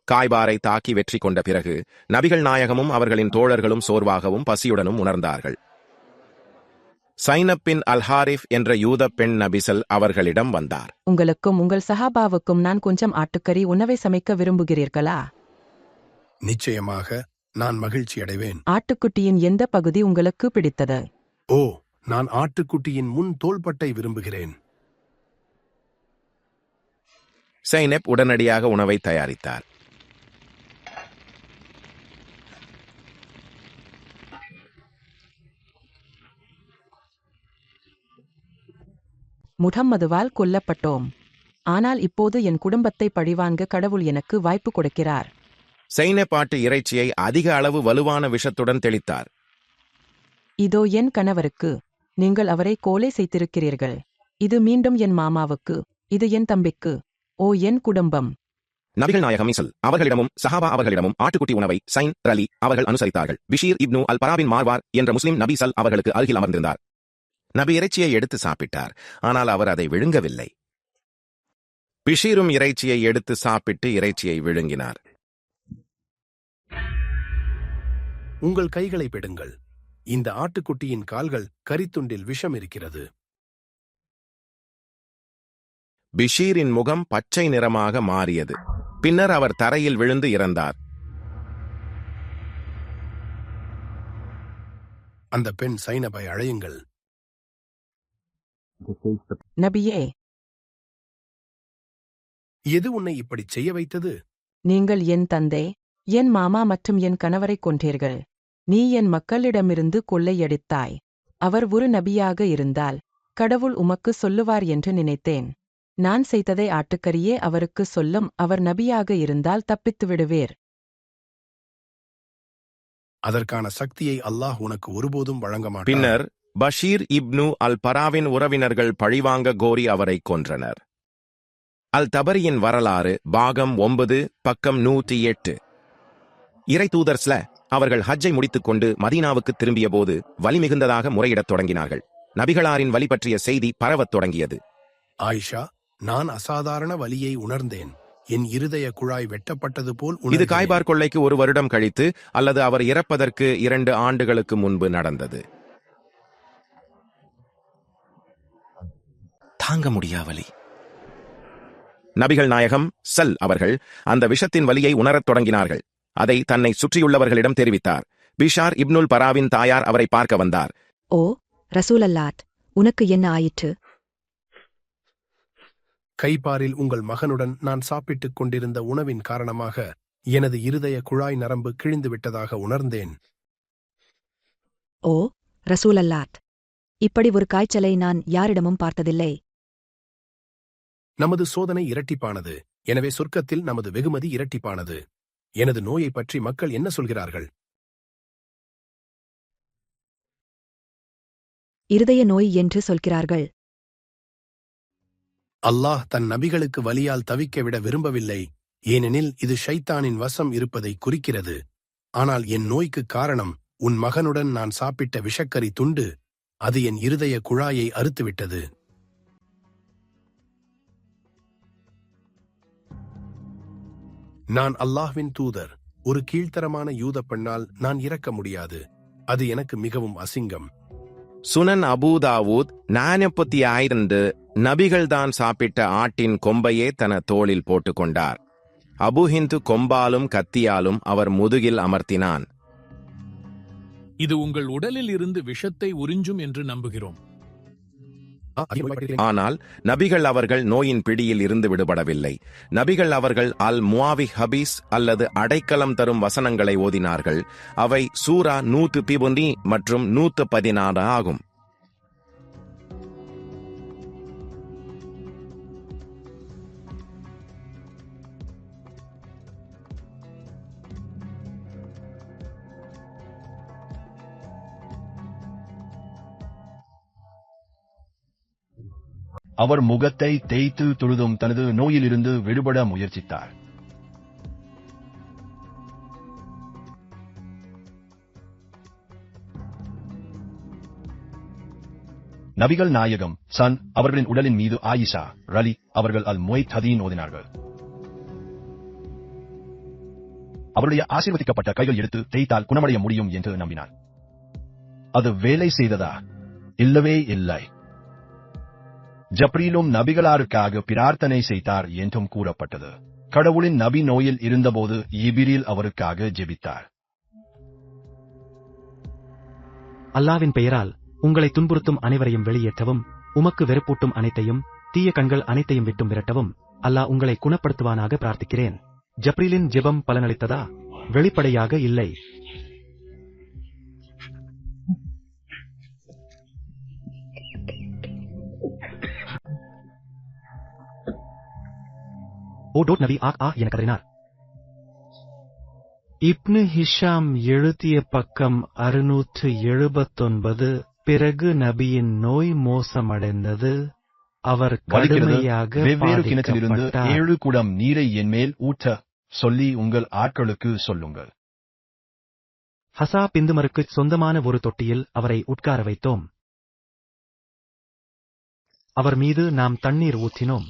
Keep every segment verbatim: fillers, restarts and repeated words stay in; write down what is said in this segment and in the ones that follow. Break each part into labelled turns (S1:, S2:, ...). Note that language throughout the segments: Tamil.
S1: காய்பாரை தாக்கி வெற்றி கொண்ட பிறகு நபிகள் நாயகமும் அவர்களின் தோழர்களும் சோர்வாகவும் பசியுடனும் உணர்ந்தார்கள். சைனப் பின் அல்ஹாரிஃப் என்ற யூத பெண் நபிசல் அவர்களிடம் வந்தார்.
S2: உங்களுக்கும் உங்கள் சஹாபாவுக்கும் நான் கொஞ்சம் ஆட்டுக்கறி உணவை சமைக்க விரும்புகிறீர்களா?
S3: நிச்சயமாக, நான் மகிழ்ச்சி அடைவேன்.
S2: ஆட்டுக்குட்டியின் எந்த பகுதி உங்களுக்கு பிடித்தது?
S3: ஓ, நான் ஆட்டுக்குட்டியின் முன் தோள்பட்டை விரும்புகிறேன்.
S1: சைனப் உடனடியாக உணவை தயாரித்தார்.
S2: முஹம்மதுவால் கொல்லப்பட்டோம். ஆனால் இப்போது என் குடும்பத்தை பழிவாங்க கடவுள் எனக்கு வாய்ப்பு கொடுக்கிறார்.
S1: சைனப் ஆட்டு இறைச்சியை அதிக அளவு வலுவான விஷத்துடன் தெளித்தார்.
S2: இதோ என் கணவருக்கு. நீங்கள் அவரை கொலை செய்திருக்கிறீர்கள். இது மீண்டும் என் மாமாவுக்கு. இது என் தம்பிக்கு. ஓ என் குடும்பம்!
S1: நபிகள் நாயகம் இசல் அவர்களிடமும் சஹாபா அவர்களிடமும் ஆட்டுக்குட்டி உணவை சைன் ரலி அவர்கள் அனுசரித்தார்கள். பிஷீர் இப்னு அல் பராபின் மார்வார் என்ற முஸ்லிம் நபி சல் அவர்களுக்கு அருகில் அமர்ந்திருந்தார். நபி இறைச்சியை எடுத்து சாப்பிட்டார். ஆனால் அவர் அதை விழுங்கவில்லை. பிஷீரும் இறைச்சியை எடுத்து சாப்பிட்டு இறைச்சியை விழுங்கினார்.
S3: உங்கள் கைகளை பெடுங்கள். இந்த ஆட்டுக்குட்டியின் கால்கள் கரித்துண்டில் விஷம் இருக்கிறது.
S1: பிஷீரின் முகம் பச்சை நிறமாக மாறியது. பின்னர் அவர் தரையில் விழுந்து இறந்தார்.
S3: அந்த பெண் சைனபை அழையுங்கள்.
S2: நபியே,
S3: எது உன்னை இப்படி செய்ய வைத்தது?
S2: நீங்கள் என் தந்தை, என் மாமா மற்றும் என் கணவரை கொன்றீர்கள். நீ என் மக்களிடமிருந்து கொள்ளையடித்தாய். அவர் ஒரு நபியாக இருந்தால் கடவுள் உமக்கு சொல்லுவார் என்று நினைத்தேன். நான் செய்ததை ஆட்டுக்கரியே அவருக்கு சொல்லும். அவர் நபியாக இருந்தால் தப்பித்து விடுவேர்.
S3: அதற்கான சக்தியை அல்லாஹ் உனக்கு ஒருபோதும் வழங்க மாட்டார்.
S1: பின்னர் பஷீர் இப்னு அல் பராவின் உறவினர்கள் பழிவாங்க கோரி அவரை கொன்றனர். அல் தபரியின் வரலாறு பாகம் ஒன்பது பக்கம் நூற்றி எட்டு. இறை தூதர் ஸ்ல அவர்கள் ஹஜ்ஜை முடித்துக் கொண்டு மதீனாவுக்கு திரும்பிய போது வலி மிகுந்ததாக முறையிடத் தொடங்கினார்கள். நபிகளாரின் வலி பற்றிய செய்தி பரவத் தொடங்கியது.
S3: ஆயிஷா, நான் அசாதாரண வலியை உணர்ந்தேன். என் இருதய குழாய் வெட்டப்பட்டது போல்
S1: இது
S3: உணர்ந்தேன்.
S1: காய்பார் கொள்ளைக்கு ஒரு வருடம் கழித்து அல்லது அவர் இறப்பதற்கு இரண்டு ஆண்டுகளுக்கு முன்பு நடந்தது. தாங்க முடியா வலி. நபிகள் நாயகம் சல் அவர்கள் அந்த விஷத்தின் வலியை உணரத் தொடங்கினார்கள். அதை தன்னை சுற்றியுள்ளவர்களிடம் தெரிவித்தார். பிஷார் இப்னுல் பராவின் தாயார் அவரை பார்க்க வந்தார்.
S4: ஓ ரசூலல்லாத், உனக்கு என்ன ஆயிற்று?
S3: கைப்பாரில் உங்கள் மகனுடன் நான் சாப்பிட்டுக் கொண்டிருந்த உணவின் காரணமாக எனது இருதய குழாய் நரம்பு கிழிந்து விட்டதாக உணர்ந்தேன்.
S4: ஓ ரசூலல்லாத், இப்படி ஒரு காய்ச்சலை நான் யாரிடமும் பார்த்ததில்லை.
S3: நமது சோதனை இரட்டிப்பானது. எனவே சொர்க்கத்தில் நமது வெகுமதி இரட்டிப்பானது. எனது நோயை பற்றி மக்கள் என்ன சொல்கிறார்கள்?
S4: இருதய நோய் என்று சொல்கிறார்கள்.
S3: அல்லாஹ் தன் நபிகளுக்கு வலியால் தவிக்க விட விரும்பவில்லை. ஏனெனில் இது ஷைத்தானின் வசம் இருப்பதை குறிக்கிறது. ஆனால் என் நோய்க்கு காரணம் உன் மகனுடன் நான் சாப்பிட்ட விஷக்கரி துண்டு. அது என் இருதய குழாயை அறுத்துவிட்டது. நான் அல்லாஹ்வின் தூதர். ஒரு கீழ்த்தரமான யூத பெண்ணால் நான் இறக்க முடியாது. அது எனக்கு மிகவும் அசிங்கம்.
S1: சுனன் அபூதாவூத் நானப்பத்தி ஆயிரண்டு நபிகள்தான் சாப்பிட்ட ஆட்டின் கொம்பையே தன தோளில் போட்டுக்கொண்டார். அபுஹிந்து கொம்பாலும் கத்தியாலும் அவர் முதுகில் அமர்த்தினான்.
S5: இது உங்கள் உடலில் இருந்து விஷத்தை உறிஞ்சும் என்று நம்புகிறோம்.
S1: ஆனால் நபிகள் அவர்கள் நோயின் பிடியில் இருந்து விடுபடவில்லை. நபிகள் அவர்கள் அல் முவாவி ஹபீஸ் அல்லது அடைக்கலம் தரும் வசனங்களை ஓதினார்கள். அவை சூரா நூத்து பிபுனி மற்றும் நூத்து பதினாறு ஆகும்.
S6: அவர் முகத்தை தேய்த்து தொழுதும் தனது நோயிலிருந்து விடுபட முயற்சித்தார். நபிகள் நாயகம் சன் அவர்களின் உடலின் மீது ஆயிஷா ரலி அவர்கள் அல் முவைத் ஹதீன் ஓதினார்கள். அவருடைய ஆசீர்வதிக்கப்பட்ட கைகள் எடுத்து தேய்த்தால் குணமடைய முடியும் என்று நம்பினார். அது வேலை செய்ததா? இல்லவே இல்லை. ஜப்ரீலும் நபிகளாருக்காக பிரார்த்தனை செய்தார் என்றும் கூறப்பட்டது. கடவுளின் நபி நோயில் இருந்தபோது இபிரில் அவருக்காக ஜெபித்தார்.
S7: அல்லாவின் பெயரால் உங்களை துன்புறுத்தும் அனைவரையும் வெளியேற்றவும், உமக்கு வெறுப்பூட்டும் அனைத்தையும், தீய கண்கள் அனைத்தையும் விட்டும் விரட்டவும் அல்லாஹ் உங்களை குணப்படுத்துவானாக பிரார்த்திக்கிறேன். ஜப்ரீலின் ஜெபம் பலனளித்ததா? வெளிப்படையாக இல்லை. ஓ டோட் நபி ஆக் ஆ என கதறினார். இப்னு ஹிஷாம் எழுதிய பக்கம் அறுநூற்று எழுபத்தொன்பது. பிறகு நபியின் நோய் மோசமடைந்தது. அவர் கடுமையாக
S6: வெவ்வேறு கிணற்றிலிருந்து
S7: பாதிக்கப்பட்டார்.
S6: ஏழு குடம் நீரை என் மேல் ஊற்ற சொல்லி உங்கள் ஆட்களுக்கு சொல்லுங்கள்.
S7: ஹசா பிந்துமருக்கு சொந்தமான ஒரு தொட்டியில் அவரை உட்கார வைத்தோம். அவர் மீது நாம் தண்ணீர் ஊற்றினோம்.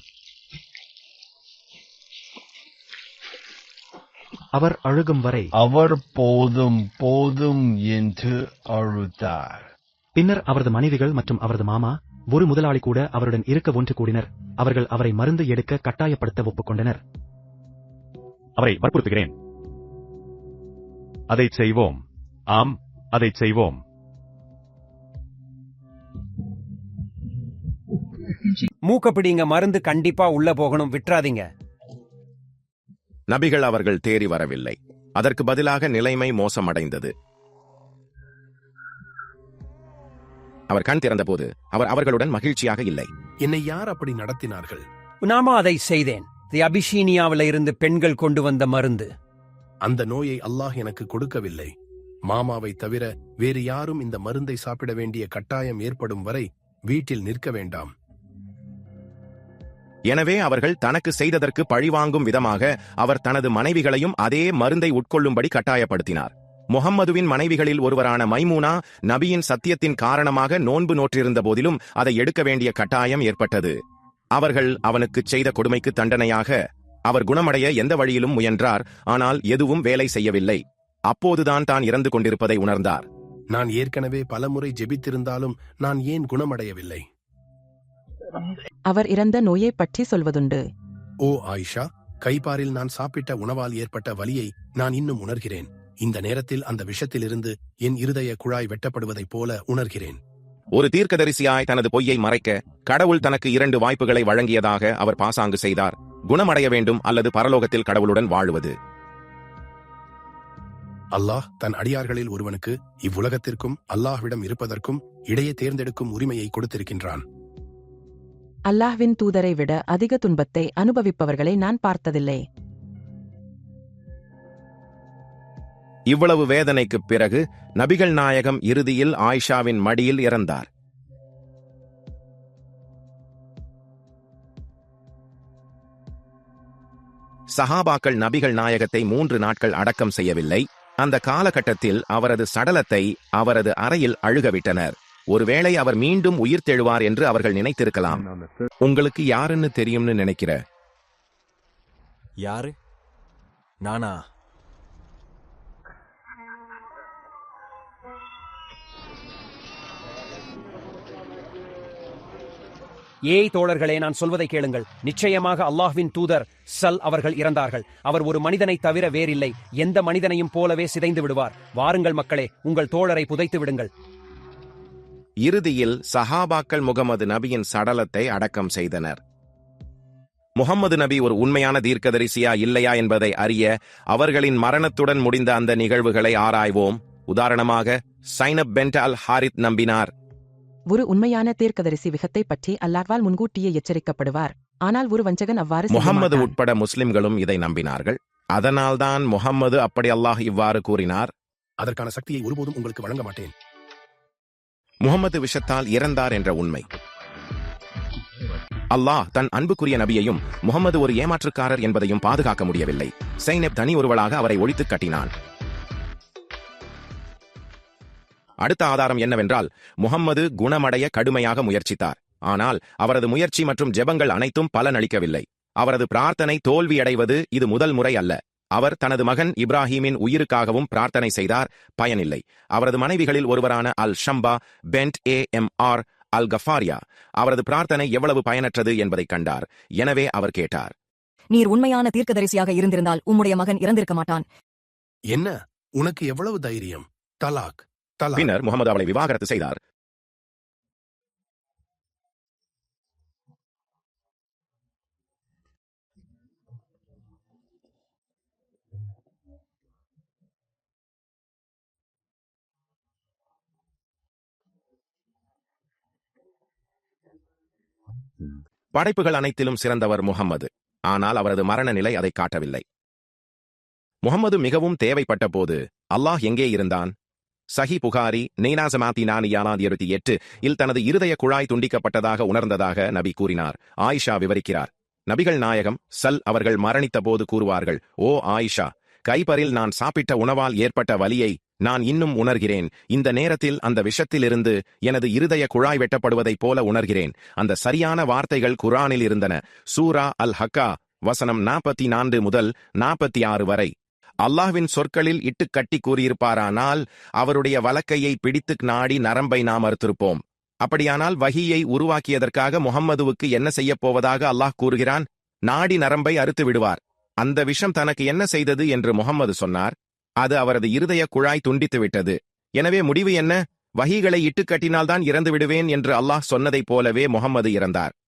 S7: அவர் அழுகும் வரை
S6: அவர் போதும் போதும் என்று அழுதார்.
S7: பின்னர் அவரது மனைவிகள் மற்றும் அவரது மாமா, ஒரு முதலாளி கூட அவருடன் இருக்க ஒன்று கூடினர். அவர்கள் அவரை மருந்து எடுக்க கட்டாயப்படுத்த ஒப்புக்கொண்டனர்.
S8: அவரை வற்புறுத்துகிறேன். அதைச் செய்வோம். ஆம், அதைச் செய்வோம்.
S9: மூக்கப்பிடிங்க, மருந்து கண்டிப்பா உள்ள போகணும், விட்டுறாதீங்க.
S1: நபிகள் அவர்கள் தேறி வரவில்லை. அதற்கு பதிலாக நிலைமை மோசமடைந்தது. அவர் கண் திறந்தபோது அவர் அவர்களுடன் மகிழ்ச்சியாக இல்லை.
S3: என்னை யார் அப்படி நடத்தினார்கள்?
S9: நாம அதை செய்தேன். இது அபிஷீனியாவில இருந்து பெண்கள் கொண்டு வந்த மருந்து.
S3: அந்த நோயை அல்லாஹ் எனக்கு கொடுக்கவில்லை. மாமாவை தவிர வேறு யாரும் இந்த மருந்தை சாப்பிட வேண்டிய கட்டாயம் ஏற்படும் வரை வீட்டில் நிற்க வேண்டாம்.
S1: எனவே அவர்கள் தனக்கு செய்ததற்கு பழிவாங்கும் விதமாக அவர் தனது மனைவிகளையும் அதே மருந்தை உட்கொள்ளும்படி கட்டாயப்படுத்தினார். முஹம்மதுவின் மனைவிகளில் ஒருவரான மைமூனா நபியின் சத்தியத்தின் காரணமாக நோன்பு நோற்றிருந்த போதிலும் அதை எடுக்க வேண்டிய கட்டாயம் ஏற்பட்டது. அவர்கள் அவனுக்குச் செய்த கொடுமைக்கு தண்டனையாக அவர் குணமடைய எந்த வழியிலும் முயன்றார். ஆனால் எதுவும் வேலை செய்யவில்லை. அப்போதுதான் தான் இறந்து கொண்டிருப்பதை உணர்ந்தார்.
S3: நான் ஏற்கனவே பலமுறை ஜெபித்திருந்தாலும் நான் ஏன் குணமடையவில்லை?
S2: அவர் இறந்த நோயைப் பற்றி சொல்வதுண்டு.
S3: ஓ ஆயிஷா, கைப்பாரில் நான் சாப்பிட்ட உணவால் ஏற்பட்ட வலியை நான் இன்னும் உணர்கிறேன். இந்த நேரத்தில் அந்த விஷத்திலிருந்து என் இருதய குழாய் வெட்டப்படுவதைப் போல உணர்கிறேன்.
S1: ஒரு தீர்க்கதரிசியாய் தனது பொய்யை மறைக்க கடவுள் தனக்கு இரண்டு வாய்ப்புகளை வழங்கியதாக அவர் பாசாங்கு செய்தார். குணமடைய வேண்டும் அல்லது பரலோகத்தில் கடவுளுடன் வாழுவது.
S3: அல்லாஹ் தன் அடியார்களில் ஒருவனுக்கு இவ்வுலகத்திற்கும் அல்லாஹ்விடம் இருப்பதற்கும் இடையே தேர்ந்தெடுக்கும் உரிமையை கொடுத்திருக்கின்றான்.
S2: அல்லாஹ்வின் தூதரை விட அதிக துன்பத்தை அனுபவிப்பவர்களை நான் பார்த்ததில்லை.
S1: இவ்வளவு வேதனைக்குப் பிறகு நபிகள் நாயகம் இறுதியில் ஆயிஷாவின் மடியில் இறந்தார். சஹாபாக்கள் நபிகள் நாயகத்தை மூன்று நாட்கள் அடக்கம் செய்யவில்லை. அந்த காலகட்டத்தில் அவரது சடலத்தை அவரது அறையில் அழுகவிட்டனர். ஒருவேளை அவர் மீண்டும் உயிர் தெழுவார் என்று அவர்கள் நினைத்திருக்கலாம். உங்களுக்கு யாருன்னு தெரியும்னு நினைக்கிற?
S10: யாரு? நானா?
S9: ஏய் தோழர்களே, நான் சொல்வதை கேளுங்கள். நிச்சயமாக அல்லாஹ்வின் தூதர் சல் அவர்கள் இறந்தார்கள். அவர் ஒரு மனிதனை தவிர வேறில்லை. எந்த மனிதனையும் போலவே சிதைந்து விடுவார். வாருங்கள் மக்களே, உங்கள் தோழரை புதைத்து விடுங்கள்.
S1: இறுதியில் சஹாபாக்கள் முகமது நபியின் சடலத்தை அடக்கம் செய்தனர். முகம்மது நபி ஒரு உண்மையான தீர்க்கதரிசியா இல்லையா என்பதை அறிய அவர்களின் மரணத்துடன் முடிந்த அந்த நிகழ்வுகளை ஆராய்வோம். உதாரணமாக, சைனப் பென்ட் அல் ஹாரித் நம்பினார்.
S2: ஒரு உண்மையான தீர்க்கதரிசி விகத்தை பற்றி அல்லாஹ்வால் முன்கூட்டியே எச்சரிக்கப்படுவார். ஆனால் ஒரு வஞ்சகன் அவ்வாறு செய்ய
S1: முகம்மது
S2: மாட்டான்.
S1: உட்பட முஸ்லிம்களும் இதை நம்பினார்கள். அதனால்தான் முகம்மது அப்படி அல்லாஹ் இவ்வாறு கூறினார்.
S3: அதற்கான சக்தியை ஒருபோதும் உங்களுக்கு வழங்க மாட்டேன்.
S1: முகம்மது விஷத்தால் இறந்தார் என்ற உண்மை. அல்லாஹ் தன் அன்புக்குரிய நபியையும் முகம்மது ஒரு ஏமாற்றுக்காரர் என்பதையும் பாதுகாக்க முடியவில்லை. சைனப் தனி ஒருவளாக அவரை ஒழித்துக் கட்டினான். அடுத்த ஆதாரம் என்னவென்றால், முகம்மது குணமடைய கடுமையாக முயற்சித்தார். ஆனால் அவரது முயற்சி மற்றும் ஜெபங்கள் அனைத்தும் பலனளிக்கவில்லை. அவரது பிரார்த்தனை தோல்வியடைவது இது முதல் முறை அல்ல. அவர் தனது மகன் இப்ராஹீமின் உயிருக்காகவும் பிரார்த்தனை செய்தார், பயனில்லை. அவரது மனைவிகளில் ஒருவரான Al Shamba bint A M R Al Kafariya அவரது பிரார்த்தனை எவ்வளவு பயனற்றது என்பதைக் கண்டார். எனவே அவர் கேட்டார்,
S11: நீர் உண்மையான தீர்க்கதரிசியாக இருந்திருந்தால் உம்முடைய மகன் இறந்திருக்க மாட்டான்.
S3: என்ன, உனக்கு எவ்வளவு தைரியம்? தலாக் தலாக்.
S1: பின்னர் முகமது அவளை விவாகரத்து செய்தார். படைப்புகள் அனைத்திலும் சிறந்தவர் முகம்மது. ஆனால் அவரது மரண நிலை அதை காட்டவில்லை. முகம்மது மிகவும் தேவைப்பட்ட போது அல்லாஹ் எங்கே இருந்தான்? சஹி புகாரி நெய்னாசமாத்தி நானியானாத் இருபத்தி எட்டு இல் தனது இருதய குழாய் துண்டிக்கப்பட்டதாக உணர்ந்ததாக நபி கூறினார். ஆயிஷா விவரிக்கிறார், நபிகள் நாயகம் சல் அவர்கள் மரணித்த போது கூறுவார்கள், ஓ ஆயிஷா, கைப்பரில் நான் சாப்பிட்ட உணவால் ஏற்பட்ட வலியை நான் இன்னும் உணர்கிறேன். இந்த நேரத்தில் அந்த விஷத்திலிருந்து எனது இருதய குழாய் வெட்டப்படுவதைப் போல உணர்கிறேன். அந்த சரியான வார்த்தைகள் குரானில் இருந்தன. சூரா அல் ஹக்கா வசனம் நாற்பத்தி நான்கு முதல் நாற்பத்தி ஆறு வரை. அல்லாஹ்வின் சொற்களில் இட்டு கட்டி கூறியிருப்பாரானால் அவருடைய வலக்கையை பிடித்து நாடி நரம்பை நாம் அறுத்திருப்போம். அப்படியானால் வஹியை உருவாக்கியதற்காக முஹம்மதுவுக்கு என்ன செய்யப் போவதாக அல்லாஹ் கூறுகிறான்? நாடி நரம்பை அறுத்து விடுவார். அந்த விஷம் தனக்கு என்ன செய்தது என்று முஹம்மது சொன்னார். அது அவரது இருதய குழாய் துண்டித்து விட்டது. எனவே முடிவு என்ன? வஹிகளை இட்டு கட்டினால்தான் இறந்து விடுவேன் என்று அல்லாஹ் சொன்னதைப் போலவே முஹம்மது இறந்தார்.